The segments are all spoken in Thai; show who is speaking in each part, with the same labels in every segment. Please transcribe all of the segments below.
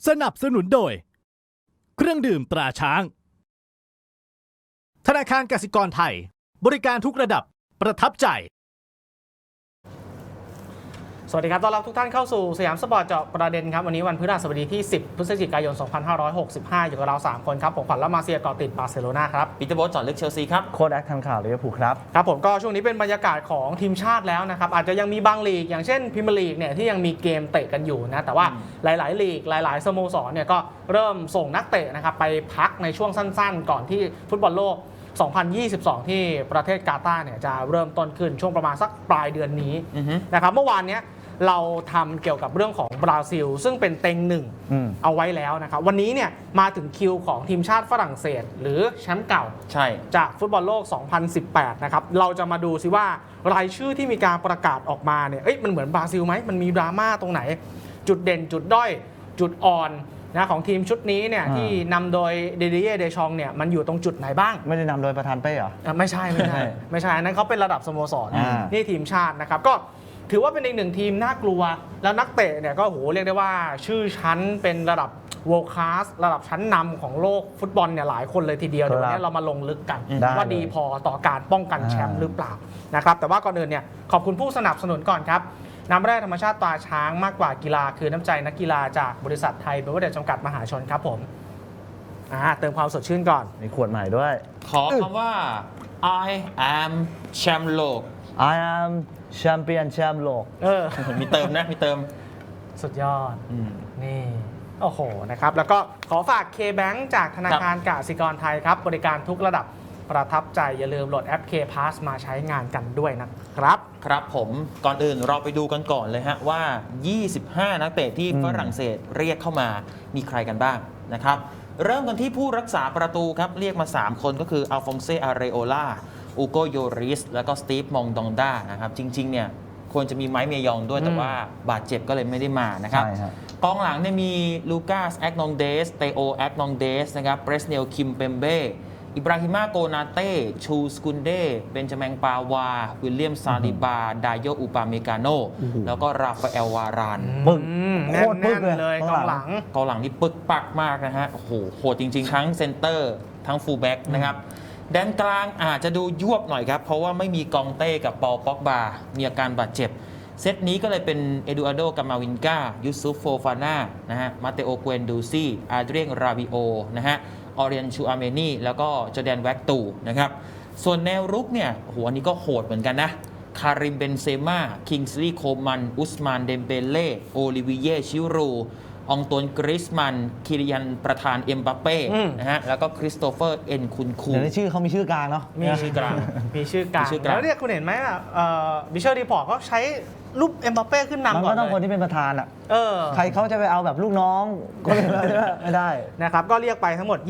Speaker 1: สนับสนุนโดยเครื่องดื่มตราช้างธนาคารกสิกรไทยบริการทุกระดับประทับใจ
Speaker 2: สวัสดีครับต้อนรับทุกท่านเข้าสู่สยามสปอร์ตเจาะประเด็นครับวันนี้วันพฤหัสบดีที่10พฤศจิกายน2565อยู่กับเรา3คนครับผมขวัญและมาเซียเกาะติดบาร์เซโลนาครับ
Speaker 3: ปีเตอร์โบ๊ทจอดลึกเชลซีครับ
Speaker 4: โค้ชแอคทันข่าวลิเวอร์พูลครับ
Speaker 2: ครับผมก็ช่วงนี้เป็นบรรยากาศของทีมชาติแล้วนะครับอาจจะยังมีบางลีกอย่างเช่นพรีเมียร์ลีกเนี่ยที่ยังมีเกมเตะกันอยู่นะแต่ว่าหลายๆลีกหลายๆสโมสรเนี่ยก็เริ่มส่งนักเตะนะครับไปพักในช่วงสั้นๆก่อนที่ฟุตบอลโลก2022 ที่ประเทศกาตาร์เนี่ยจะเริ่มต้นขึ้นช่วงประมาณสักปลายเดือนนี้นะครับเมื่อวานนี้เราทำเกี่ยวกับเรื่องของบราซิลซึ่งเป็นเต็งหนึ่งเอาไว้แล้วนะครับวันนี้เนี่ยมาถึงคิวของทีมชาติฝรั่งเศสหรือแชมป์เก่าจากฟุตบอลโลก 2018 นะครับเราจะมาดูซิว่ารายชื่อที่มีการประกาศออกมาเนี่ยมันเหมือนบราซิลไหมมันมีดราม่าตรงไหนจุดเด่นจุดด้อยจุดอ่อนนะของทีมชุดนี้เนี่ยที่นำโดยเดดิเย่เดชองเนี่ยมันอยู่ตรงจุดไหนบ้าง
Speaker 4: ไม่ได้นำโดยประธานเป้เหรอ
Speaker 2: ไม่ใช่อันนั้นเขาเป็นระดับสโมสรนี่ทีมชาตินะครับก็ถือว่าเป็นอีกหนึ่งทีมน่ากลัวแล้วนักเตะเนี่ยก็เรียกได้ว่าชื่อชั้นเป็นระดับ world class ระดับชั้นนำของโลกฟุตบอลเนี่ยหลายคนเลยทีเดียวเดี๋ยววันนี้เรามาลงลึกกันว่าดีพอต่อการป้องกันแชมป์หรือเปล่านะครับแต่ว่าก่อนอื่นเนี่ยขอบคุณผู้สนับสนุนก่อนครับน้ำแร่ธรรมชาติตราช้างมากกว่ากีฬาคือน้ำใจนักกีฬาจากบริษัทไทยเบเวอร์เรจจำกัดมหาชนครับผมเติมความสดชื่นก่อน
Speaker 4: มีขวดใหม่ด้วย
Speaker 3: ขอคำว่า I am แชมป์โลก
Speaker 4: I am แชมเปี้ยนแชมป์โลก
Speaker 3: มีเติมนะมีเติม
Speaker 2: สุดยอดนี่โอ้โหนะครับแล้วก็ขอฝาก K-Bank จากธนาคารกสิกรไทยครับบริการทุกระดับประทับใจอย่าลืมโหลดแอป K-Pass มาใช้งานกันด้วยนะครับ
Speaker 3: ครับผมก่อนอื่นเราไปดูกันก่อนเลยฮะว่า25นักเตะที่ฝรั่งเศสเรียกเข้ามามีใครกันบ้างนะครับเริ่มกันที่ผู้รักษาประตูครับเรียกมา3คนก็คืออัลฟองเซอาเรโอลาอูโกโยริสแล้วก็สตีฟมองดองดานะครับจริงๆเนี่ยควรจะมีไม้เมยองด้วยแต่ว่าบาดเจ็บก็เลยไม่ได้มานะครับกองหลังเนี่ยมีลูกาสแอกนองเดสเตโอแอกนองเดสนะครับเบรสเนลคิมเปมเบ้อิบราฮิมาโกนาเต้ชูสกุนเดเบนจามินปาวาวิลเลียมซาลิบาดาโยอุปาเมกาโนแล้วก็ราฟาเอลวาราน
Speaker 2: โคตรปึ๊กเลยกองห
Speaker 3: ลังนี่ปึกปักมากนะฮะโอ้โหโหดจริงๆทั้งเซนเตอร์ทั้งฟูลแบ็กนะครับแดนกลางอาจจะดูยวบหน่อยครับเพราะว่าไม่มีกองเต้กับปอลป็อกบามีอาการบาดเจ็บเซตนี้ก็เลยเป็นเอดูอาร์โดกามาวินกายูซุฟโฟฟาน่านะฮะมาเตโอเกวนดูซี่อาเดรียนราบิโอนะฮะออเรียนชูอาเมนีแล้วก็จอร์แดนแว็กตูนะครับส่วนแนวรุกเนี่ยโหอันนี้ก็โหดเหมือนกันนะคาริมเบนเซม่าคิงส์ลีย์โคมันอุสมานเดมเบเล่โอลิวิเย่ชิรูองตวนกริสมันคิริยันประธานเอ็มบัปเป้นะฮะแล้วก็คริสโตเฟอร์เอ็นคุนคู
Speaker 4: ในชื่อเขามีชื่อกลางเนาะ
Speaker 2: มีชื่อกลางแล้วเนี่ยคุณเห็นไหมบิชเชอร์รีพอร์ตเขาใช้รูปเอ็มบัปเป้ขึ้นนำก่อนเลย
Speaker 4: มันก็ต้องคนที่เป็นประธานใครเขาจะไปเอาแบบลูกน้องก็ไม่ได้
Speaker 2: นะครับก็เรียกไปทั้งหมด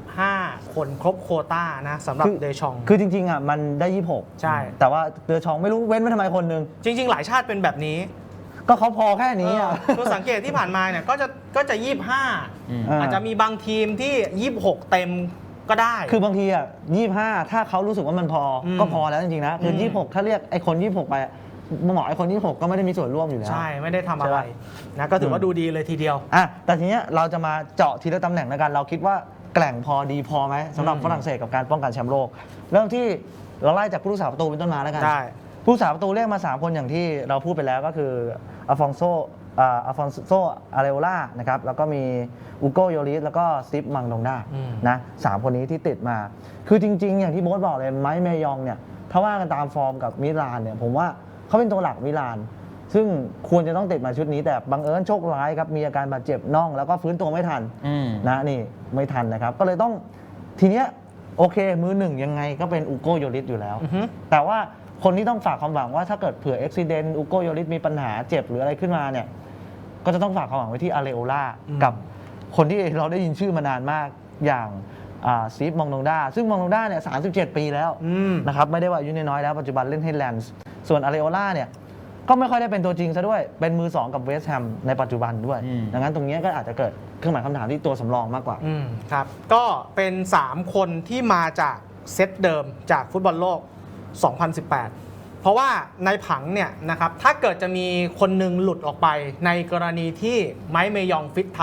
Speaker 2: 25คนครบโควต้านะสำหรับเดชอง
Speaker 4: คือจริงๆมันได้26
Speaker 2: ใช่
Speaker 4: แต่ว่าเดชองไม่รู้เว้นไว้ทำไมคนนึง
Speaker 2: จริงๆหลายชาติเป็นแบบนี้
Speaker 4: ก็เขาพอแค่นี้
Speaker 2: คือสังเกตที่ผ่านมาเนี่ยก็จะ25อาจจะมีบางทีมที่26เต็มก็ได้
Speaker 4: คือบางที25ถ้าเขารู้สึกว่ามันพอก็พอแล้วจริงๆนะคือ26ถ้าเรียกไอ้คน26ไปหมอไอ้คน26ก็ไม่ได้มีส่วนร่วมอยู่แล้ว
Speaker 2: ใช่ไม่ได้ทำอะไรนะก็ถือว่าดูดีเลยทีเดียว
Speaker 4: แต่ทีนี้เราจะมาเจาะทีละตำแหน่งในการเราคิดว่าแกร่งพอดีพอไหมสำหรับฝรั่งเศสกับการป้องกันแชมป์โลกเริ่มที่เราไล่จากผู้รักษาประตูเป็นต้นมาแล้วกันผู้รักษาประตูเรียกมา3คนอย่างที่เราพูดไปแล้วก็คืออัลฟองโซอาเรโอล่านะครับแล้วก็มีอูโกโยริสแล้วก็สตีฟมังดองดานะ3คนนี้ที่ติดมาคือจริงๆอย่างที่โบ๊ทบอกเลยไม้เมยองเนี่ยถ้าว่ากันตามฟอร์มกับมิลานเนี่ยผมว่าเขาเป็นตัวหลักมิลานซึ่งควรจะต้องติดมาชุดนี้แต่บังเอิญโชคร้ายครับมีอาการบาดเจ็บน่องแล้วก็ฟื้นตัวไม่ทันนะนี่ไม่ทันนะครับก็เลยต้องทีเนี้ยโอเคมือหนึ่งยังไงก็เป็นอูโกโยริสอยู่แล้วแต่ว่าคนที่ต้องฝากความหวังว่าถ้าเกิดเผื่ออุบิเหตุอูโกโยริสมีปัญหาเจ็บหรืออะไรขึ้นมาเนี่ยก็จะต้องฝากความหวังไว้ที่อาเรโอล่ากับคนที่เราได้ยินชื่อมานานมากอย่างสตีฟมองดองดาซึ่งมองดองดาเนี่ย37 ปีแล้วนะครับไม่ได้ว่าอายุน้อยแล้วปัจจุบันเล่นให้แลนส์ส่วนอาเรโอล่าเนี่ยก็ไม่ค่อยได้เป็นตัวจริงซะด้วยเป็นมือ2กับเวสต์แฮมในปัจจุบันด้วยดังนั้นตรงนี้ก็อาจจะเกิดเครื่องหมายคำถามที่ตัวสำรองมากกว่า
Speaker 2: ครับก็เป็น3คนที่มาจากเซตเดิมจากฟุตบอลโลก 2018 เพราะว่าในผังเนี่ยนะครับถ้าเกิดจะมีคนหนึ่งหลุดออกไปในกรณีที่ไม้เมยองฟิตทันเนี่ย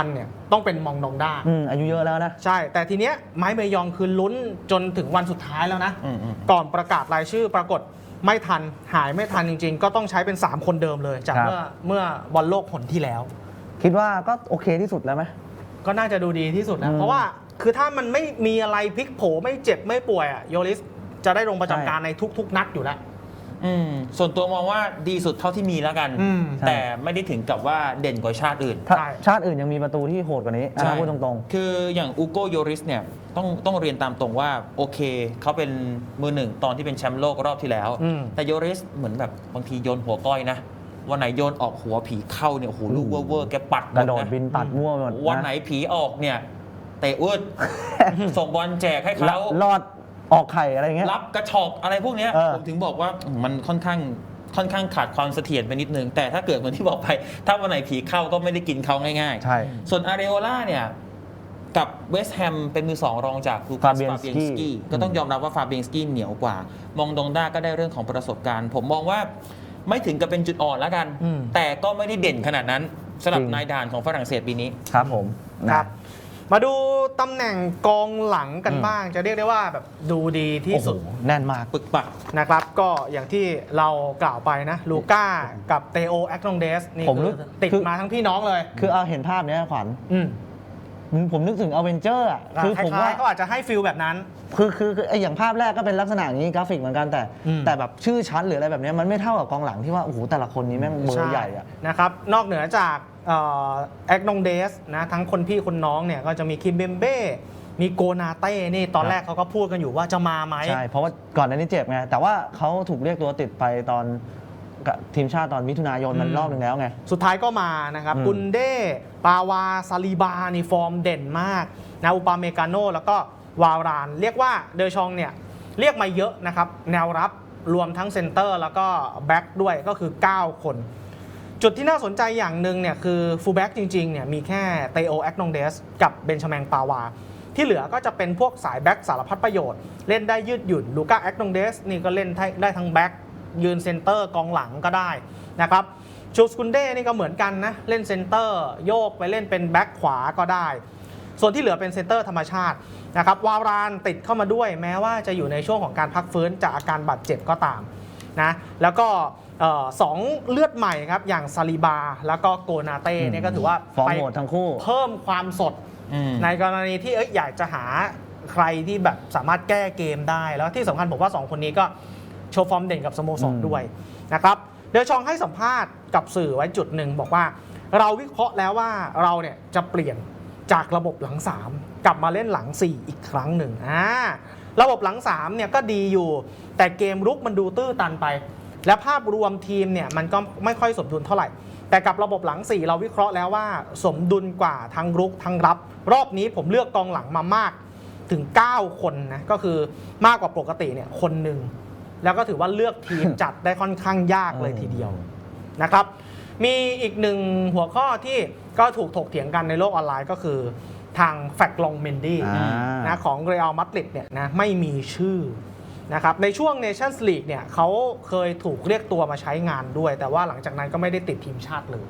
Speaker 2: ต้องเป็นมองดองด้า
Speaker 4: อายุเยอะแล้วนะ
Speaker 2: ใช่ แต่ทีเนี้ยไม้เมยองคือลุ้นจนถึงวันสุดท้ายแล้วนะ ก่อนประกาศรายชื่อปรากฏไม่ทันหายไม่ทันจริงๆ ก็ต้องใช้เป็น 3 คนเดิมเลย จาก
Speaker 4: ครับ
Speaker 2: เมื่อบอลโลกหนที่แล้ว
Speaker 4: คิดว่าก็โอเคที่สุดแล้วไหม
Speaker 2: ก็น่าจะดูดีที่สุดนะ
Speaker 4: อืม
Speaker 2: เพราะว่าคือถ้ามันไม่มีอะไรพลิกโผไม่เจ็บไม่ป่วยอะโยลิสจะได้ลงประจำการในทุกๆ นัดอยู่แล้ว
Speaker 3: ส่วนตัวมองว่าดีสุดเท่าที่มีแล้วกัน
Speaker 2: อืม
Speaker 3: แต่ไม่ได้ถึงกับว่าเด่นกว่าชาติอื่น
Speaker 4: ถ้า
Speaker 2: ใช่
Speaker 4: ชาติอื่นยังมีประตูที่โหดกว่านี้อันนั้นพูดตรง
Speaker 3: คืออย่างอูโกโยริสเนี่ยต้องเรียนตามตรงว่าโอเคเขาเป็นมือหนึ่งตอนที่เป็นแชมป์โลกรอบที่แล้ว
Speaker 2: อืม
Speaker 3: แต่โยริสเหมือนแบบบางทีโยนหัวก้อยนะ วันไหนโยนออกหัวผีเข้าเนี่ยโอ้โหลูกเวอร์ๆแกปัดห
Speaker 4: ๆ
Speaker 3: ม
Speaker 4: กระโดด
Speaker 3: น
Speaker 4: บินปัดมั่วไปหมด
Speaker 3: วันไหนผีออกเนี่ยเตะวืด ส่งบอลแจกให้
Speaker 4: แล้
Speaker 3: เขา
Speaker 4: วรอดออกไข่อะไรเงี้ย
Speaker 3: รับกระชอกอะไรพวกเนี้ย
Speaker 4: เออ
Speaker 3: ผมถึงบอกว่ามันค่อนข้างขาดความเสถียรไปนิดนึง แต่ถ้าเกิดเหมือนที่บอกไป ถ้าวันไหนผีเข้าก็ไม่ได้กินเขาง่าย
Speaker 4: ใช่
Speaker 3: ๆ ส่วนอาเรโอล่าเนี่ย กับเวสต์แฮมเป็นมือ 2 รองจากลูคัส
Speaker 4: Fabianski
Speaker 3: ฟาเบียนสกี้ก็ต้องยอมรับว่าฟาเบียนสกี้เหนียวกว่า มองดงด้าก็ได้เรื่องของประสบการณ์ ผมมองว่าไม่ถึงกับเป็นจุดอ่อนแล้วกัน
Speaker 2: อืม
Speaker 3: แต่ก็ไม่ได้เด่นขนาดนั้นสำหรับ
Speaker 4: จริง
Speaker 3: นายด่านของฝรั่งเศสปีนี้
Speaker 4: ครับผมนะครับ
Speaker 2: มาดูตำแหน่งกองหลังกันบ้าง จะเรียกได้ว่าแบบดูดีที่
Speaker 4: โอ้โห
Speaker 2: สุด
Speaker 4: แน่นมาก
Speaker 3: ปึกปัก
Speaker 2: นะครับก็อย่างที่เรากล่าวไปนะลูก้ากับเตโอแอคโนเดสนี่
Speaker 4: ผมรู้
Speaker 2: คือติด
Speaker 4: คือ
Speaker 2: มาทั้งพี่น้องเลย
Speaker 4: คือเอาเห็นภาพเนี้ยขวัญ
Speaker 2: อืม
Speaker 4: ผมนึกถึงอเวนเจอร์อ่ะ
Speaker 2: คือ
Speaker 4: ผม
Speaker 2: คล้า
Speaker 4: ว่าย
Speaker 2: ๆเขาอาจจะให้ฟิลแบบนั้น
Speaker 4: คือไออย่างภาพแรกก็เป็นลักษณะอย่างนี้กราฟิกเหมือนกันแต่
Speaker 2: อืม
Speaker 4: แต่แบบชื่อชั้นหรืออะไรแบบเนี้ยมันไม่เท่ากับกองหลังที่ว่าโอ้โหแต่ละคนนี้แม่งเบอร์ใหญ่อ่ะ
Speaker 2: นะครับนอกเหนือจากแอคโนเดสนะทั้งคนพี่คนน้องเนี่ยก็จะมีคิมเบมเบ้มีโกนาเต้นี่ตอนแรกเขาก็พูดกันอยู่ว่าจะมาไหม
Speaker 4: ใช่ เพราะว่าก่อนหน้านี้เจ็บไง แต่ว่าเขาถูกเรียกตัวติดไปตอนกับทีมชาติตอนมิถุนายนมันรอบหนึ่งแล้วไง
Speaker 2: สุดท้ายก็มานะครับ
Speaker 4: อืม
Speaker 2: กุนเด้ปาวาซาลีบานี่ฟอร์มเด่นมากนะอุปาเมกาโนแล้วก็วาวราน เรียกว่าเดอชองเนี่ยเรียกมาเยอะนะครับ แนวรับรวมทั้งเซนเตอร์แล้วก็แบ็กด้วยก็คือ 9 คน จุดที่น่าสนใจอย่างหนึ่งเนี่ยคือฟูลแบ็กจริงๆเนี่ยมีแค่เตโอแอคโนเดสกับเบนชาแมงปาวา ที่เหลือก็จะเป็นพวกสายแบ็กสารพัดประโยชน์ เล่นได้ยืดหยุ่นลูก้าแอคโนเดสนี่ก็เล่นได้ทั้งแบ็กยืนเซนเตอร์กองหลังก็ได้นะครับชูสกุนเด้นี่ก็เหมือนกันนะ เล่นเซนเตอร์โยกไปเล่นเป็นแบ็กขวาก็ได้ ส่วนที่เหลือเป็นเซนเตอร์ธรรมชาตินะครับวาวรานติดเข้ามาด้วยแม้ว่าจะอยู่ในช่วงของการพักฟื้นจากอาการบาดเจ็บก็ตามนะแล้วก็สองเลือดใหม่ครับอย่างซาลิบาแล้วก็โกนาเต้เนี่ยก็ถือว่า
Speaker 4: ฟอร์ม
Speaker 2: ไป
Speaker 4: โหดทั้งคู่
Speaker 2: เพิ่มความสด ในกรณีที่อยากจะหาใครที่แบบสามารถแก้เกมได้ แล้วที่สำคัญผมว่า 2 คนนี้ก็โชว์ฟอร์มเด่นกับสโมสรด้วยนะครับเดอชองให้สัมภาษณ์กับสื่อไว้จุดหนึ่งบอกว่าเราวิเคราะห์แล้วว่าเราเนี่ยจะเปลี่ยนจากระบบหลัง 3 กลับมาเล่นหลัง 4 อีกครั้งหนึ่งระบบหลัง 3 เนี่ยก็ดีอยู่ แต่เกมรุกมันดูตื้อตันไป และภาพรวมทีมเนี่ยมันก็ไม่ค่อยสมดุลเท่าไหร่ แต่กับระบบหลัง 4 เราวิเคราะห์แล้วว่าสมดุลกว่าทั้งรุกทั้งรับ รอบนี้ผมเลือกกองหลังมามากถึง 9 คนนะก็คือมากกว่าปกติเนี่ยคนหนึ่งแล้วก็ถือว่าเลือกทีม จัดได้ค่อนข้างยากเลยทีเดียวนะครับมีอีกหนึ่งหัวข้อที่ก็ถูกถกเถียงกันในโลกออนไลน์ก็คือทางแฟกลองเมนดี้ นะของเรอัลมาดริดเนี่ยนะไม่มีชื่อนะครับในช่วงเนชั่นส์ลีกเนี่ยเขาเคยถูกเรียกตัวมาใช้งานด้วย แต่ว่าหลังจากนั้นก็ไม่ได้ติดทีมชาติเลย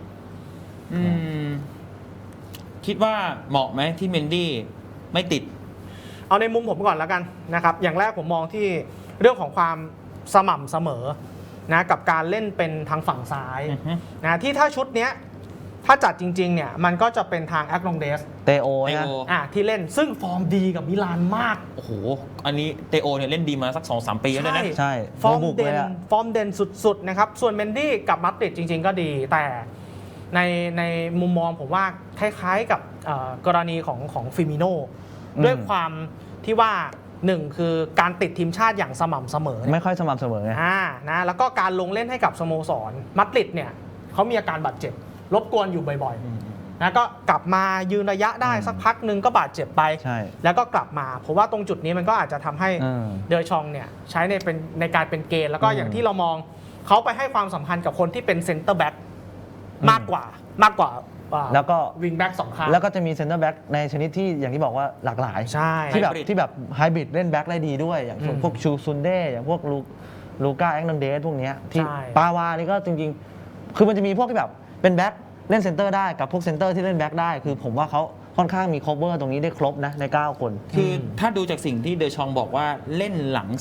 Speaker 3: คิดว่าเหมาะไหมที่เมนดี้ไม่ติด
Speaker 2: เอาในมุมผมก่อนแล้วกันนะครับอย่างแรกผมมองที่เรื่องของความสม่ำเสมอนะกับการเล่นเป็นทางฝั่งซ้าย
Speaker 3: อือฮึ
Speaker 2: นะที่ถ้าชุดเนี้ยถ้าจัดจริงๆเนี่ยมันก็จะเป็นทางแอคลองเดส
Speaker 4: เตโอ
Speaker 3: เต
Speaker 4: นะ
Speaker 3: โอ
Speaker 2: ที่เล่นซึ่งฟอร์มดีกับมิลานมาก
Speaker 3: โอ้โห อันนี้เตโอเนี่ยเล่นดีมาสัก 2-3 ปีแล้วนะ
Speaker 4: ใช่
Speaker 2: ฟอร์ม
Speaker 4: บุก
Speaker 2: เด่
Speaker 4: เล
Speaker 2: น
Speaker 4: ยอะ
Speaker 2: ฟอร์มเด่นสุดๆนะครับส่วนเมนดี้กับมาดริดจริงๆก็ดีแต่ในมุมมองผมว่าคล้ายๆกับกรณีของฟิมิโน่ด้วยความที่ว่าหนึ่งคือการติดทีมชาติอย่างสม่ำเสมอ
Speaker 4: ไม่ค่อยสม่ำเสมอไง
Speaker 2: นะแล้วก็การลงเล่นให้กับสโมสรมาดริดเนี่ยเขามีอาการบาดเจ็บรบกวนอยู่บ่อยๆนะก็กลับมายืนระยะได้สักพักหนึ่งก็บาดเจ็บไป
Speaker 4: ใช่
Speaker 2: แล้วก็กลับมาผมว่าตรงจุดนี้มันก็อาจจะทำให้เดอชองเนี่ยใช้ในการเป็นเกณฑ์แล้วก็อย่างที่เรามองเขาไปให้ความสำคัญกับคนที่เป็นเซนเตอร์แบ็กมากกว่า
Speaker 4: แล้วก็
Speaker 2: วิงแบ็กสองข้าง
Speaker 4: แล้วก็จะมีเซนเตอร์แบ็กในชนิดที่อย่างที่บอกว่าหลากหลาย
Speaker 2: ใช่
Speaker 4: ที่แบบไฮบริดเล่นแบ็กได้ดีด้วย อย่างพวกชูซุนเด้อย่างพวกลูก้าแองนันเดสพวกเนี้ยที่ปาวานี่ก็จริงๆ คือมันจะมีพวกที่แบบเป็นแบ็กเล่นเซนเตอร์ได้กับพวกเซนเตอร์ที่เล่นแบ็กได้คือผมว่าเขาค่อนข้างมี cover ตรงนี้ได้ครบนะใน 9 คน
Speaker 3: คือถ้าดูจากสิ่งที่เดชองบอกว่าเล่นหลัง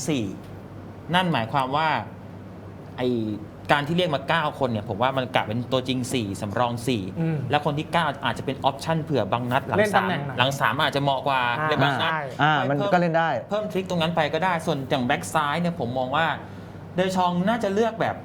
Speaker 3: 4 นั่นหมายความว่าไอการที่เรียกมา 9 คนเนี่ยผมว่ามันกะเป็นตัวจริง 4 สำรอง 4 แล้วคนที่ 9 อาจจะเป็นออปชั่นเผื่อบางนัดหลัง
Speaker 2: เล่นตำแหน่งไหน
Speaker 3: 3หลัง 3 อาจจะเหมาะกว่าในบางนัด
Speaker 2: ใช่
Speaker 4: มันก็เล่นได้
Speaker 3: เพิ่มทริคตรงนั้นไปก็ได้ส่วนอย่างแบ็กซ้ายเนี่ยผมมองว่าเดชองน่าจะเลือกแบบ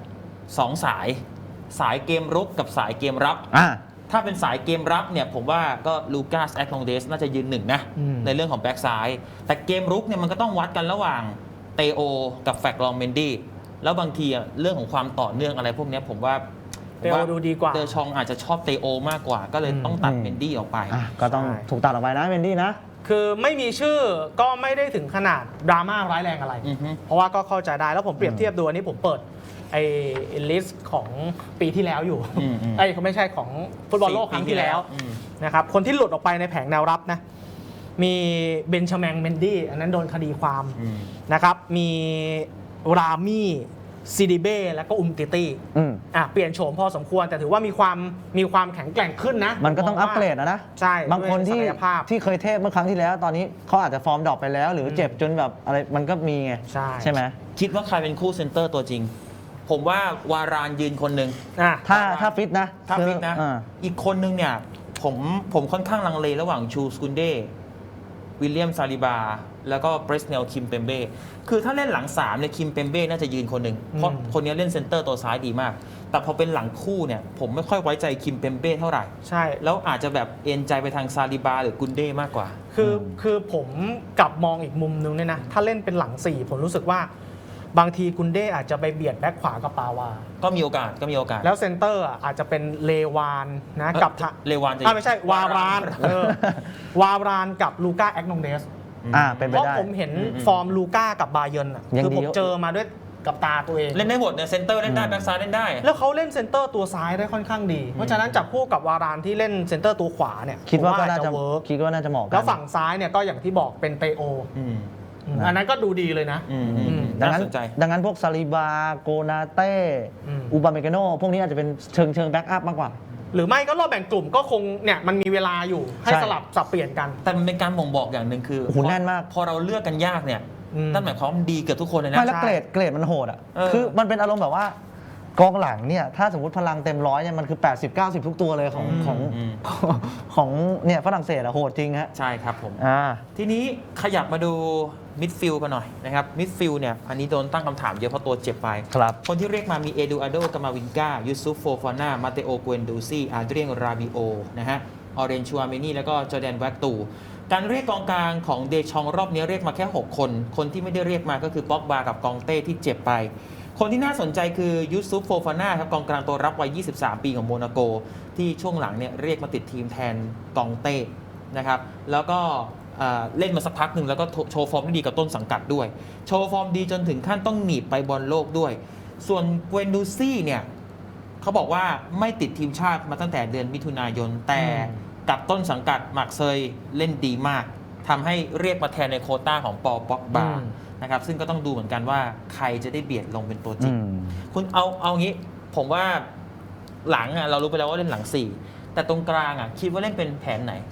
Speaker 3: 2 สายเกมรุกกับสายเกมรับ ถ้าเป็นสายเกมรับเนี่ยผมว่าก็ลูกัสแอคโนเดสน่าจะยืนหนึ่งนะ ในเรื่องของแบ็กซ้ายแต่เกมรุกเนี่ยมันก็ต้องวัดกันระหว่างเตโอกับแฟกลองเมนดี้แล้วบางทีเรื่องของความต่อเนื่องอะไรพวกนี้ผมว่า
Speaker 2: เตโอดูดีกว่า
Speaker 3: เดชองอาจจะชอบเตโอมากกว่า ก็เลยต้องตัดเมนดี้ออกไป
Speaker 4: ก็ต้อง
Speaker 2: ใช่
Speaker 4: ถูกตัดออกไปนะเมนดี้นะ
Speaker 2: คือไม่มีชื่อก็ไม่ได้ถึงขนาดดราม่าร้ายแรงอะไร
Speaker 3: อือฮึ
Speaker 2: เพราะว่าก็เข้าใจได้แล้วผมเปรียบเทียบดูอันนี้ผมเปิดไอ้ลิสต์ของปีที่แล้วอยู่ ไอ้เขาไม่ใช่ของฟุตบอลโลกครั้งที่แล้วนะครับคนที่หลุดออกไปในแผงแนวรับนะมีเบนชาแมงเมนดี้อันนั้นโดนคดีความนะครับมีรามี่ซีดิเบ้แล้วก็อุมติตี้เปลี่ยนโฉมพอสมควรแต่ถือว่ามีความแข็งแกร่งขึ้นนะ
Speaker 4: มันก็ต้องอัปเกรดนะ
Speaker 2: ใช่
Speaker 4: บางคนที่
Speaker 2: ด้วยศักยภาพ
Speaker 4: เคยเทพเมื่อครั้งที่แล้ว ตอนนี้เขาอาจจะฟอร์มดรอปไปแล้ว หรือเจ็บจนแบบอะไรมันก็มีไง
Speaker 2: ใช่
Speaker 4: ไหม
Speaker 3: คิดว่าใครเป็นคู่เซนเตอร์ตัวจริง ผมว่าวารานยืนคนหนึ่ง
Speaker 4: ถ้าฟิตนะ
Speaker 3: ถ้าฟิตนะ อีกคนนึงเนี่ยผมค่อนข้างลังเลระหว่างชูสกุนเดวิลเลียมซาลิบาแล้วก็เบรสเนลคิมเปมเบ้คือถ้าเล่นหลัง3เนี่ยคิมเปมเบ้น่าจะยืนคนหนึ่งเพราะคนนี้เล่นเซนเตอร์ตัวซ้ายดีมาก แต่พอเป็นหลังคู่เนี่ยผมไม่ค่อยไว้ใจคิมเปมเบ้เท่าไหร่
Speaker 2: ใช่
Speaker 3: แล้วอาจจะแบบเอ็นใจไปทางซาลิบาหรือกุนเด้มากกว่า
Speaker 2: คือผมกลับมองอีกมุมนึงเนี่ยนะถ้าเล่นเป็นหลัง 4 ผมรู้สึกว่าบางทีกุนเด้อาจจะไปเบียดแบ็คขวากับปาวา
Speaker 3: ก็มีโอกาส
Speaker 2: แล้วเซนเตอร์อาจจะเป็นเลวานนะกับ
Speaker 3: เลวานจะ
Speaker 2: ไม่ใช่วารานวารานกับลูก้าแอกนองเดส
Speaker 4: เป็นไป
Speaker 2: เพราะ
Speaker 4: ได้
Speaker 2: ผมเห็นฟอร์มลูก้ากับบาเยิร์นคือผมเจอมาด้วยกับตาตัวเอง
Speaker 3: เล่นได้หมดเนี่ยเซนเตอร์เล่นได้แบ็คซ้ายเล่นได้
Speaker 2: แล้วเขาเล่นเซนเตอร์ตัวซ้ายได้ค่อนข้างดี เพราะฉะนั้นจับคู่กับวารานที่เล่นเซนเตอร์ตัวขวาเนี่ย
Speaker 4: คิดว่าก็
Speaker 2: ผม
Speaker 4: น่าจะ
Speaker 2: เวิร์ก
Speaker 4: คิดว่าน่าจะเหมาะกัน
Speaker 2: แล้วฝั่งซ้ายเนี่ยก็อย่างที่บอกเป็นเตโออันนั้นก็ดูดีเลยนะ
Speaker 4: ดัง
Speaker 3: น่า
Speaker 4: นั้น
Speaker 3: สนใจ
Speaker 4: พวกซาลิบาโกนาเต้อูบาเมกาโนพวกนี้อาจจะเป็นเชิงแบ็กอัพมากกว่า
Speaker 2: หรือไม่ก็รอบแบ่งกลุ่มก็คงเนี่ยมันมีเวลาอยู่ให้
Speaker 4: ใช่
Speaker 2: สลับสับเปลี่ยนกัน
Speaker 3: แต่มันเป็นการบ่งบอกอย่างหนึ่งคือ
Speaker 4: โอ้โหแน่นมาก
Speaker 3: พอเราเลือกกันยากเนี่ย
Speaker 2: อืม
Speaker 3: นั่นหมายความว่ามันดีเกือบทุกคนเลยนะ
Speaker 4: ไม่แล้วเกรดมันโหดอ่ะ คือมันเป็นอารมณ์แบบว่ากองหลังเนี่ยถ้าสมมติพลังเต็มร้อยเนี่ยมันคือ 80-90 ทุกตัวเลยของเนี่ยฝรั่งเศสอะโหดจริงฮะ
Speaker 3: ใช่ครับผม
Speaker 4: อ่า
Speaker 3: ทีนี้ขยับมาดูมิดฟิลด์กันหน่อยนะครับมิดฟิลด์เนี่ยอันนี้โดนตั้งคำถามเยอะเพราะตัวเจ็บไป
Speaker 4: ครับ
Speaker 3: คนที่เรียกมามีเอดูอาโดกามาวินกายูซุฟโฟฟาน่ามาเตโอเกวนดูซี่อาเดรียนราบิโอนะฮะออเรนชัวเมนี่แล้วก็จอร์แดนแวกตูการเรียกกองกลางของเดชองรอบนี้เรียกมาแค่ 6 คนคนที่ไม่ได้เรียกมาก็คือป็อกบากับกองเต้ที่เจ็บไปคนที่น่าสนใจคือยูซุฟโฟฟาน่าครับกองกลางตัวรับวัย 23 ปีของโมนาโกที่ช่วงหลังเนี่ยเรียกมาติดทีมแทนกองเต้นะครับแล้วก็เล่นมาสักพักหนึ่งแล้วก็โชว์ฟอร์มได้ดีกับต้นสังกัดด้วยโชว์ฟอร์มดีจนถึงขั้นต้องหนีบไปบอลโลกด้วยส่วนเกวนดูซี่เนี่ยเขาบอกว่าไม่ติดทีมชาติมาตั้งแต่เดือนมิถุนายนแต่กับต้นสังกัดมักเซยเล่นดีมากทำให้เรียกมาแทนในโควต้าของปอป็อกบานะครับซึ่งก็ต้องดูเหมือนกันว่าใครจะได้เบียดลงเป็นตัวจริงคุณเอางี้ผมว่าหลังเรารู้ไปแล้วว่าเล่นหลัง 4 แต่ตรงกลางคิดว่าเล่นเป็นแผนไหน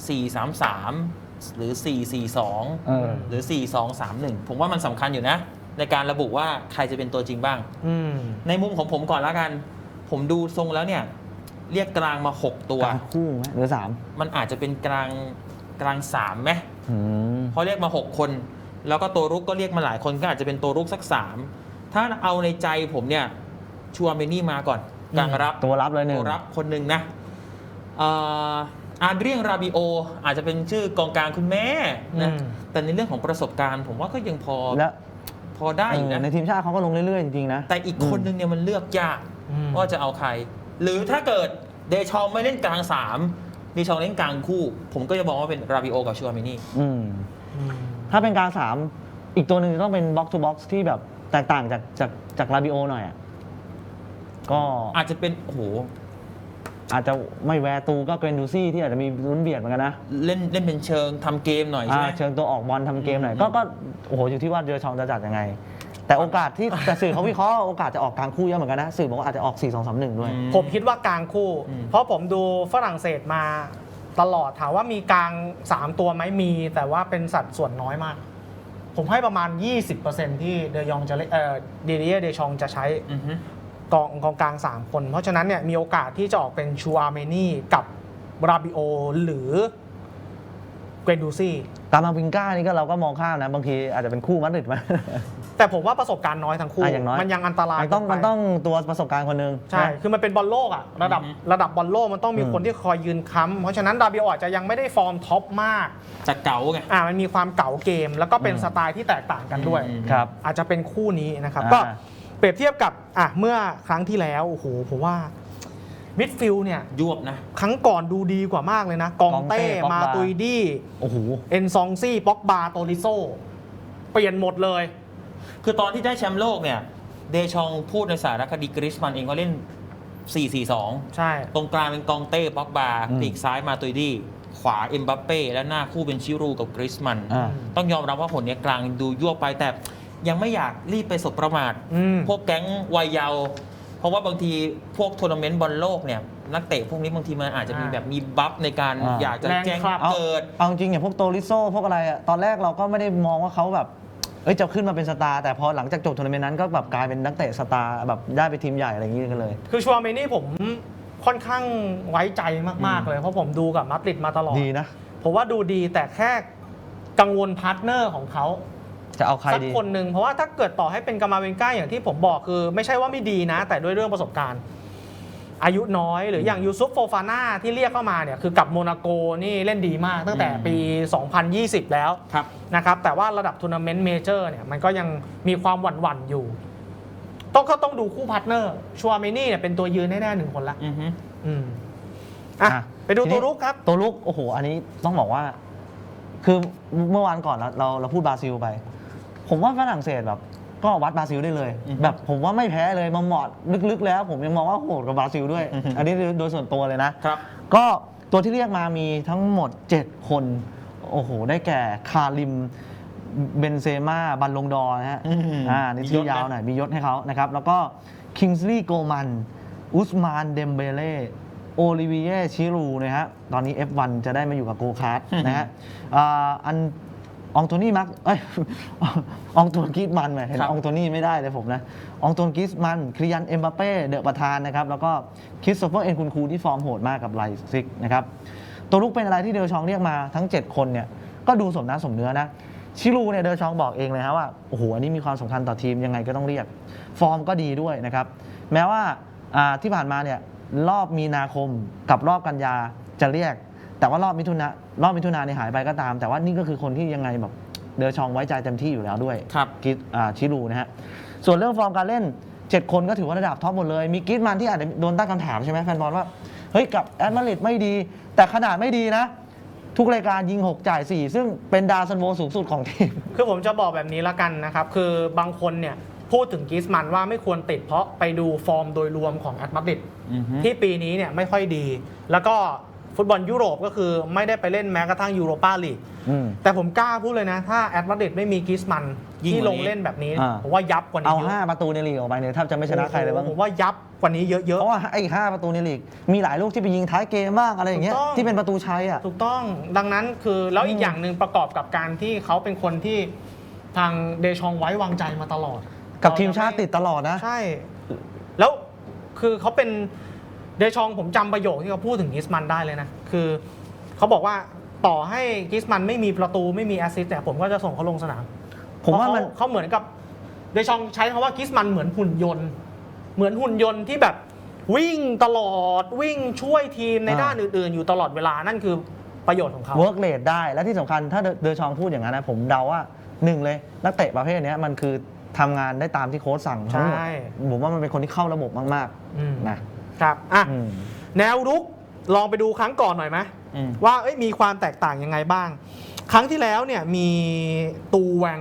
Speaker 3: 4-3-3 หรือ 4-4-2 หรือ 4-2-3-1 ผมว่ามันสำคัญอยู่นะในการระบุว่าใครจะเป็นตัวจริงบ้างในมุมของผมก่อนแล้วกันผมดูทรงแล้วเนี่ยเรียกกลางมา 6 ตัว
Speaker 4: กลางคู่ไหมหรือ3
Speaker 3: มันอาจจะเป็นกลาง3ไหมเพราะเรียกมา 6 คนแล้วก็ตัวรุกก็เรียกมาหลายคนก็อาจจะเป็นตัวรุกสัก 3ถ้าเอาในใจผมเนี่ยชัวเมนี่มาก่อนกลางรับ
Speaker 4: ตัวรับเลยหนึ่ง
Speaker 3: ตัวรับคนหนึ่งนะอาเดรียนราบิโออาจจะเป็นชื่อกองกลางคุณแม่นะแต่ในเรื่องของประสบการณ์ผมว่าก็ยังพอได้อยู่นะ
Speaker 4: ในทีมชาติเขาก็ลงเรื่อยๆจริงๆนะ
Speaker 3: แต่อีกคนนึงเนี่ยมันเลือกยากว่าจะเอาใครหรือถ้าเกิดเดชองไม่เล่นกลาง3เดชองเล่นกลางคู่ผมก็จะบอกว่าเป็นราบิโอกับชัวเมนี่
Speaker 4: ถ้าเป็นกลาง3อีกตัวหนึ่งต้องเป็นบ็อกซ์ทูบ็อกซ์ที่แบบแตกต่างจากราบิโอหน่อยก็
Speaker 3: อาจจะเป็นโอ้โห
Speaker 4: อาจจะไม่แวร์ตูก็เกรนดูซี่ที่อาจจะมีลุ้นเบียดเหมือนกันนะ
Speaker 3: เล่นเป็นเชิงทำเกมหน่อยใช่ไหม
Speaker 4: เชิงตัวออกบอลทำเกมหน่อยก็โอ้โหอยู่ที่ว่าเดชองจะจัดยังไงแต่โอกาสที่แต่สื่อเขาวิเคราะห์โอกาสจะออกกลางคู่เยอะเหมือนกันนะสื่อบอกว่าอาจจะออก 4-2-3-1 ด้วย
Speaker 2: ผมคิดว่ากลางคู่เพราะผมดูฝรั่งเศสมาตลอดถามว่ามีกลาง3ตัวไหมมีแต่ว่าเป็นสัดส่วนน้อยมาก ผมให้ประมาณ 20% ที่เดยองจะเดเดียเดชองจะใช้กองกลาง3คนเพราะฉะนั้นเนี่ยมีโอกาสที่จะออกเป็นชูอาร์เมนี่กับบราบิโอหรือเกรนดูซี่
Speaker 4: ตามมาวิงก้านี่ก็เราก็มองข้ามนะบางทีอาจจะเป็นคู่มัดริดไหม
Speaker 2: แต่ผมว่าประสบการณ์น้อยทั้งคู่
Speaker 4: อย่างน้อย
Speaker 2: มันยังอันตราย
Speaker 4: มันต้องตัวประสบการณ์คนหนึง
Speaker 2: ใช่ คือมันเป็นบอลโลกอะระดับบอลโลกมันต้องมีคนที่คอยยืนค้ำเพราะฉะนั้นดาบิโออาจจะยังไม่ได้ฟอร์มท็อปมาก
Speaker 3: จะเก๋าไง
Speaker 2: มันมีความเก๋าเกม แล้วก็เป็นสไตล์ที่แตกต่างกันด้วย
Speaker 4: ครับ
Speaker 2: อาจจะเป็นคู่นี้นะครับ
Speaker 4: อ่า
Speaker 2: ก็เปรียบเทียบกับเมื่อครั้งที่แล้วโอ้โหผมว่ามิดฟิลด์เนี่ย
Speaker 3: ยวบนะ
Speaker 2: ครั้งก่อนดูดีกว่ามากเลยนะ กองเต้
Speaker 4: กองเต้
Speaker 2: มาตุยดี้
Speaker 4: โอ้โห
Speaker 2: เอนซองซี่ป็อกบาโตริโซเปลี่ยนหมดเลย
Speaker 3: คือตอนที่ได้แชมป์โลกเนี่ยเดชองพูดในสารคดีกริชมันเองก็เล่น 4-4-2
Speaker 2: ใช่
Speaker 3: ตรงกลางเป็นกองเต้ป็อกบา
Speaker 4: อืม
Speaker 3: ปีกซ้ายมาตุยดี้ขวาเอ็มบัปเป้และหน้าคู่เป็นชิรูกับกริชมัน
Speaker 4: อ่า
Speaker 3: ต้องยอมรับว่าผลเนี้ยกลางดูยั่วไปแต่ยังไม่อยากรีบไปสบประมาท พวกแก๊งวัยเยาว์เพราะว่าบางทีพวกทัวร์นาเมนต์บอลโลกเนี่ยนักเตะพวกนี้บางทีมันอาจจะมีแบบมีบัฟในการอยากจะแจ้ง
Speaker 2: แรงครับ
Speaker 3: เกิด
Speaker 4: เอาจริงอย่างพวกโตริโซพวกอะไรอะตอนแรกเราก็ไม่ได้มองว่าเขาแบบจะขึ้นมาเป็นสตาร์แต่พอหลังจากจบทัวร์นาเมนต์นั้นก็แบบกลายเป็นนักเตะสตาร์แบบได้ไปทีมใหญ่อะไรอย่างนี้กันเลย
Speaker 2: คือชัวร์เมนี่ผมค่อนข้างไว้ใจมากๆเลยเพราะผมดูกับมาดริดมาตลอด
Speaker 4: ดีนะ
Speaker 2: ผมว่าดูดีแต่แค่กังวลพาร์ทเนอร์ของเขา
Speaker 4: จะเอาใคร
Speaker 2: สัก
Speaker 4: ดี
Speaker 2: คนหนึ่งเพราะว่าถ้าเกิดต่อให้เป็นกามาเวนก้าอย่างที่ผมบอกคือไม่ใช่ว่าไม่ดีนะ แต่ด้วยเรื่องประสบการณ์ อายุน้อยหรืออย่างยูซุฟโฟฟาน่าที่เรียกเข้ามาเนี่ยคือกับโมนาโกนี่เล่นดีมากตั้งแต่ปี 2020 แล้ว
Speaker 3: ครับ
Speaker 2: นะครับแต่ว่าระดับทัวร์นาเมนต์เมเจอร์เนี่ยมันก็ยังมีความหวั่นๆอยู่ต้องดูคู่พาร์ทเนอร์ชัวร์เมนี่เนี่ยเป็นตัวยืนแน่ๆหนึ่งคนละ
Speaker 3: อือฮึ
Speaker 2: ไปดู
Speaker 4: ทีนี้
Speaker 2: ตัวรุกครับ
Speaker 4: ตัวลุกโอ้โหอันนี้ต้องบอกว่า คือเมื่อวานก่อนเราพูดบราซิลไป ผมว่าฝรั่งเศสแบบก็วัดบราซิลได้เลย แบบผมว่าไม่แพ้เลยมาเหมาะลึกๆแล้ว ผมยังมองว่าโหดกว่าบราซิลด้วย อันนี้โดยส่วนตัวเลยนะ
Speaker 3: ครับ
Speaker 4: ก็ตัวที่เรียกมามีทั้งหมด 7 คน โอ้โห ได้แก่คาริมเบนเซม่าบัลลงดอร์นะฮะ นี่ชื่อยาวหน่อย มียศให้เขานะครับ แล้วก็คิงส์ลีย์โกมันอุสมานเดมเบเล่โอลิเวียชิรูนะฮะตอนนี้ F1 จะได้มาอยู่กับโกคาร์ทนะฮะอองโตนี่มักอองโตนกิสมันเห็นอองโตนี่ไม่ได้เลยผมนะอองโตนกิสมันคริยันเอ็มบัปเป้เดอะประธานนะครับแล้วก็คริสโตเฟอร์เอ็นคุณคูที่ฟอร์มโหดมากกับไลซิกนะครับตัวลุกเป็นอะไรที่เดอชองเรียกมาทั้ง 7 คนเนี่ยก็ดูสมน้ำสมเนื้อนะชิรูเนี่ยเดอชองบอกเองเลยครับว่าโอ้โหอันนี้มีความสำคัญต่อทีมยังไงก็ต้องเรียกฟอร์มก็ดีด้วยนะครับแม้ว่าที่ผ่านมาเนี่ยรอบมีนาคมกับรอบกันยาจะเรียกแต่ว่ารอบมิถุนาเนี่ยหายไปก็ตามแต่ว่านี่ก็คือคนที่ยังไงแบบเดอชองไว้ใจเต็มที่อยู่แล้วด้วย
Speaker 3: ครับ
Speaker 4: ชิรูนะฮะส่วนเรื่องฟอร์มการเล่น 7 คนก็ถือว่าระดับท็อปหมดเลยมีกิสมันที่อาจจะโดนตั้งคำถามใช่ไหมแฟนบอลว่าเฮ้ยกับแอตมาดริดไม่ดีแต่ขนาดไม่ดีนะทุกรายการยิง6จ่าย4ซึ่งเป็นดาวซันโวสูงสุดของทีม
Speaker 2: คือผมจะบอกแบบนี้ละกันนะครับ คือบางคนเนี่ยพูดถึงกริสมันว่าไม่ควรติดเพราะไปดูฟอร์มโดยรวมของแอตมาดริด
Speaker 3: อือฮึ
Speaker 2: ที่ปีนี้เนี่ยไม่ค่อยดี แล้วก็ฟุตบอลยุโรปก็คือไม่ได้ไปเล่นแม้กระทั่งยูโรปาลีก แต่ผมกล้าพูดเลยนะ ถ้าแอตมาดริดไม่มีกริสมัน
Speaker 3: ยิ่ง
Speaker 2: ที่
Speaker 3: ก
Speaker 2: ล
Speaker 3: ว่านี้
Speaker 2: งเล่นแบบนี้
Speaker 4: อ่า
Speaker 2: ผมว่ายับกว่านี้
Speaker 4: เอา
Speaker 2: เยอะ
Speaker 4: 5 ประตูในลีกออกไปเนี่ยแทบจะไม่ชนะใครเลยบ้าง
Speaker 2: ผมว่ายับกว่านี้เยอะ
Speaker 4: เพราะว่าไอ้5ประตูในลีกมีหลายลูกที่ไปยิงท้ายเกมบ้างอะไรอย่างเงี้ย
Speaker 2: ถูกต้อง
Speaker 4: ที่เป็นประตูชัยอ่ะ
Speaker 2: ๆถูกต้องดังนั้นคือแล้วอีกอย่างหนึ่งประกอบกับการที่เขาเป็นคนที่ทางเดชองไว้วางใจมาตลอด
Speaker 4: กับทีมชาติติดตลอดนะ
Speaker 2: ใช่ แล้วคือเขาเป็นเดชองผมจำประโยคที่เขาพูดถึงกริสมันได้เลยนะ คือเขาบอกว่าต่อให้กริสมันไม่มีประตูไม่มีแอสซิสต์เนี่ยผมก็จะส่งเขาลงสนาม
Speaker 4: ผมว่ามัน
Speaker 2: เขาเหมือนกับเดชองใช้คำว่ากริสมันเหมือนหุ่นยนต์ที่แบบวิ่งตลอดวิ่งช่วยทีมในด้านอื่นๆ อยู่ตลอดเวลานั่นคือประโยชน์ของเขา
Speaker 4: เวิร์กเรทได้และที่สำคัญถ้าเดอชองพูดอย่างนั้นนะผมเดาว่า1เลยนักเตะประเภทนี้มันคือทำงานได้ตามที่โค้ชสั่งทั้งหมด
Speaker 2: ใช่
Speaker 4: ผมว่ามันเป็นคนที่เข้าระบบมาก
Speaker 2: อืม
Speaker 4: ๆนะครับ
Speaker 2: อ่ะ
Speaker 4: อืม
Speaker 2: แนวรุกลองไปดูครั้งก่อนหน่อยไหม
Speaker 3: อืม
Speaker 2: ว่ามีความแตกต่างยังไงบ้าง ครั้งที่แล้วเนี่ยมีตูแวง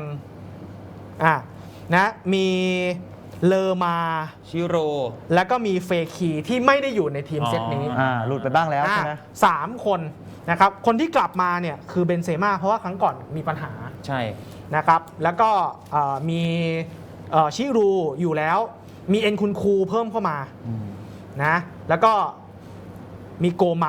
Speaker 2: นะมีเลอมา
Speaker 3: ชิโร
Speaker 2: แล้วก็มีเฟคีที่ไม่ได้อยู่ในทีมเซตนี้
Speaker 4: หลุดไปบ้างแล้วใช่ไหม
Speaker 2: สามคนนะครับคนที่กลับมาเนี่ยคือเบนเซม่าเพราะว่าครั้งก่อนมีปัญหา
Speaker 3: ใช่
Speaker 2: นะครับแล้วก็มีชิรูอยู่แล้วมีเอ็นคุณคูเพิ่มเข้ามานะแล้วก็มีโกมัน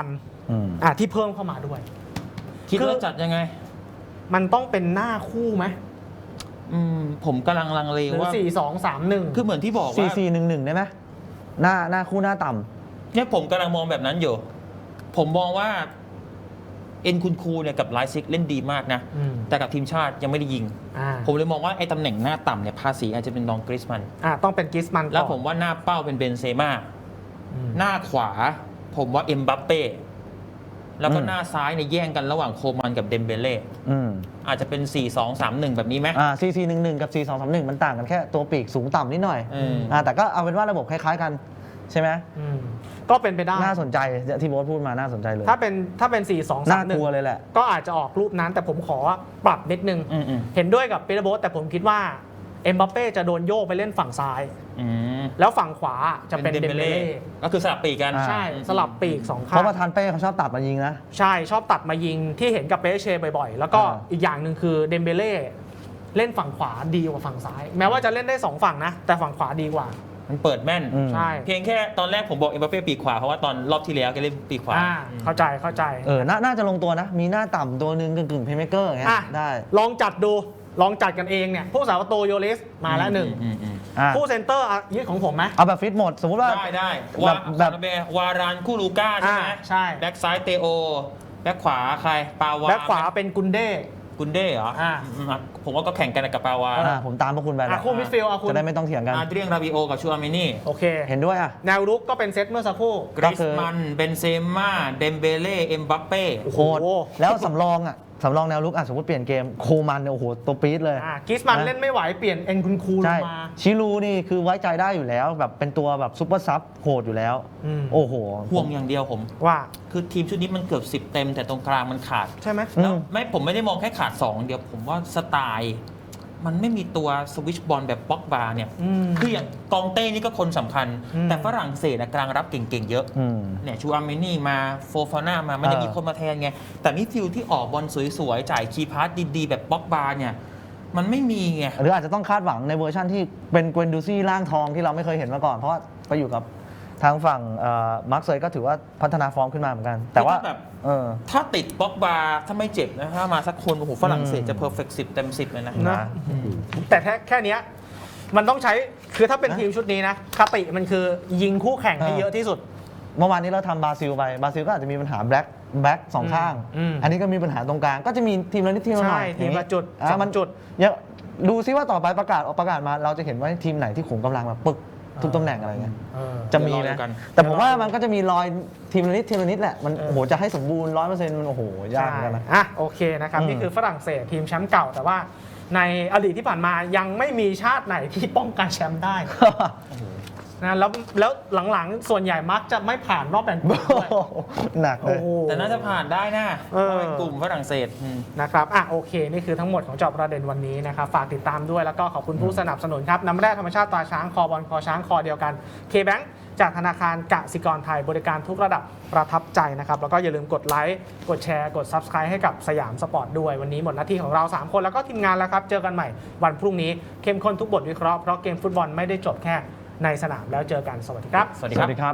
Speaker 2: ที่เพิ่มเข้ามาด้วย
Speaker 3: คิดว่าจัดยังไง
Speaker 2: มันต้องเป็นหน้าคู่ไหม
Speaker 3: ผมกำลังลังเล
Speaker 2: หรือ
Speaker 3: ว่า
Speaker 2: 4-2-3-1
Speaker 3: คือเหมือนที่บอก
Speaker 4: 4
Speaker 3: ว่า
Speaker 4: 4 1 1ได้ไหมหน้าคู่หน้าต่ำ
Speaker 3: เนี่ยผมกำลังมองแบบนั้นอยู่ ผมมองว่าเอ็นคุณคูเนี่ยกับไลซิกเล่นดีมากนะ แต่กับทีมชาติยังไม่ได้ยิง ผมเลยมองว่าไอ้ตำแหน่งหน้าต่ำเนี่ยภาษีอาจจะเป็นน้องกริสมัน
Speaker 2: ต้องเป็นกริสมันก่อน
Speaker 3: แล้วผมว่าหน้าเป้าเป็นเบนเซม่าหน้าขวาผมว่าเอ็มบัปเป้แล้วก็หน้าซ้ายเนี่ยแย่งกันระหว่างโคมันกับเดมเบเล่อาจจะเป็น 4-2-3-1 แบบนี้ไหม
Speaker 4: 4 4 1 1 กับ 4 2 3 1 มันต่างกันแค่ตัวปีกสูงต่ำนิดหน่อยแต่ก็เอาเป็นว่าระบบคล้ายๆกันใช่ไหม
Speaker 2: ก็เป็นไปได้
Speaker 4: น่าสนใจที่โบ๊ทพูดมาน่าสนใจเลย
Speaker 2: ถ้าเป็น 4-2-3-1
Speaker 4: น่ากลัวเลยแหละ
Speaker 2: ก็อาจจะออกรูปนั้นแต่ผมขอปรับนิดนึง เห็นด้วยกับปีเตอร์โบ๊ทแต่ผมคิดว่าเอ็มบัปเป้จะโดนโยกไปเล่นฝั่งซ้ายแล้วฝั่งขวาจะเป็นเดมเบเล่
Speaker 3: ก็คือสลับปีกกัน
Speaker 2: ใช่สลับปีก2ข้าง
Speaker 4: เพราะประธานเป้เขาชอบตัดมายิงนะ
Speaker 2: ใช่ชอบตัดมายิงที่เห็นกับเปเช่บ่อยๆแล้วก็อีกอย่างหนึ่งคือเดมเบเล่เล่นฝั่งขวาดีกว่าฝั่งซ้ายแม้ว่าจะเล่นได้2ฝั่งนะแต่ฝั่งขวาดีกว่า
Speaker 3: มันเปิดแม่น
Speaker 2: ใช่
Speaker 3: เพียงแค่ตอนแรกผมบอกเอ็มบัปเป้ปีกขวาเพราะว่าตอนรอบที่แล้วแกเล่นปีกขวา
Speaker 2: เข้าใจ
Speaker 4: น่าจะลงตัวนะมีหน้าต่ำตัวหนึ่งกึ่งเพลย์เมคเกอร์อย่างเงี้ยได้
Speaker 2: ลองจัดดูลองจัดกันเองเนี่ยผู้สาวประตูโยลิสมาแล้วหนึ่งผู้เซนเตอร์ยึดของผมไหม
Speaker 4: เอาแบบฟิตหมดสมมติว่า
Speaker 3: ได้แบบวารานคูลูก้าใช่ไหม
Speaker 2: ใช่
Speaker 3: แบ็กซ้ายเตโอแบ็กขวาใครปาวา
Speaker 2: แบ็กขวาเป็นกุนเด้
Speaker 3: เหรอผมว่าก็แข่งกันกับปาวา
Speaker 4: ผมตามพวกคุณไป
Speaker 2: คู่มิดฟิลด์
Speaker 4: จะได้ไม่ต้องเถียงกัน
Speaker 3: เรียงราบิโอกับชูอาเมนี่
Speaker 2: โอเค
Speaker 4: เห็นด้วย
Speaker 2: แนวรุกก็เป็นเซตเมื่อสักครู่
Speaker 3: กริสมันเบนเซม่าเดมเบเล่เอ็มบัปเป้
Speaker 4: โหแล้วสำรองแนวลุกสมมติเปลี่ยนเกมโคมันเนี่ยโอ้โหตัวปี๊ดเลย
Speaker 2: กริสมันเล่นไม่ไหวเปลี่ยนเอ็นคุณคูลงมา
Speaker 4: ชิลูนี่คือไว้ใจได้อยู่แล้วแบบเป็นตัวแบบซุปเปอร์ซับโหดอยู่แล้วโอ้โห
Speaker 3: ห่วงอย่างเดียวผม
Speaker 2: ว่า
Speaker 3: คือทีมชุดนี้มันเกือบ10 เต็มแต่ตรงกลางมันขาด
Speaker 2: ใช่ไหม
Speaker 3: แล้วผมไม่ได้มองแค่ขาด2เดียวผมว่าสไตล์มันไม่มีตัวสวิชบอลแบบป็อกบาเนี่ยคืออย่างกองเต้นี่ก็คนสำคัญแต่ฝรั่งเศสกลางรับเก่งๆเยอะเนี่ยชูอาเมนี่มาโฟฟาน่ามามันจะมีคนมาแทนไงแต่มิดฟิลด์ที่ออกบอลสวยๆจ่ายคีย์พาสดีๆแบบป็อกบาเนี่ยมันไม่มีไง
Speaker 4: หรืออาจจะต้องคาดหวังในเวอร์ชั่นที่เป็นเกวนดูซี่ร่างทองที่เราไม่เคยเห็นมาก่อนเพราะว่าไปอยู่กับทางฝั่งมาร์คเซย์ก็ถือว่าพัฒนาฟอร์มขึ้นมาเหมือนกันแต่ว่า
Speaker 3: ถ้าติดป็อกบาถ้าไม่เจ็บนะถ้ามาสักคนโอ้โหฝรั่งเศสจะเพอร์เฟกต์10 เต็ม 10เลยนะ
Speaker 2: แต่แค่นี้มันต้องใช้คือถ้าเป็นทีมชุดนี้นะคติมันคือยิงคู่แข่งให้เยอะที่สุด
Speaker 4: เมื่อวานนี้เราทำบราซิลไปบราซิลก็อาจจะมีปัญหาแบ็ค2ข้างอันนี้ก็มีปัญหาตรงกลางก็จะมีทีมละนิดทีมละหน่อย
Speaker 2: ทีมละจุด
Speaker 4: มัน
Speaker 2: จุด
Speaker 4: ดูซิว่าต่อไปประกาศมาเราจะเห็นว่าทีมไหนที่ขุมกำลังแบบปึกทุกตำแหน่งอะไรเงี้ยจะมีนะแต่ผมว่ามันก็จะมีรอยทีมละนิดแหละมันโอ้โหจะให้สมบูรณ์ 100% มันโอ้โหยากเหมือนกันนะ
Speaker 2: โอเคนะครับนี่คือฝรั่งเศสทีมแชมป์เก่าแต่ว่าในอดีตที่ผ่านมายังไม่มีชาติไหนที่ป้องกันแชมป์ได้นะแล้วหลังๆส่วนใหญ่มักจะไม่ผ่านรอบแบ่งกลุ่มด้วย
Speaker 4: หนักเลย
Speaker 3: แต่น่าจะผ่านได้นะเป็นกลุ่มฝรั่งเศส
Speaker 2: นะครับโอเคนี่คือทั้งหมดของเจาะประเด็นวันนี้นะครับฝากติดตามด้วยแล้วก็ขอบคุณผู้สนับสนุนครับน้ำแร่ธรรมชาติตราช้างคอบอลคอช้างคอเดียวกัน K-Bank จากธนาคารกสิกรไทยบริการทุกระดับประทับใจนะครับแล้วก็อย่าลืมกดไลค์กดแชร์กด Subscribe ให้กับสยามสปอร์ตด้วยวันนี้หมดหน้าที่ของเรา3คนแล้วก็ทีมงานแล้วครับเจอกันใหม่วันพรุ่งนี้เข้มข้นทุกบทวิเคราะห์เพราะเกมฟุตบอลไม่ได้จบแค่ในสนามแล้วเจอกันสวัสดีครับ
Speaker 3: สวัสดีครับ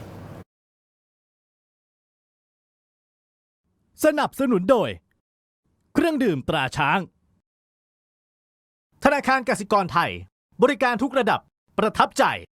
Speaker 1: สนับสนุนโดยเครื่องดื่มตราช้างธนาคารกสิกรไทยบริการทุกระดับประทับใจ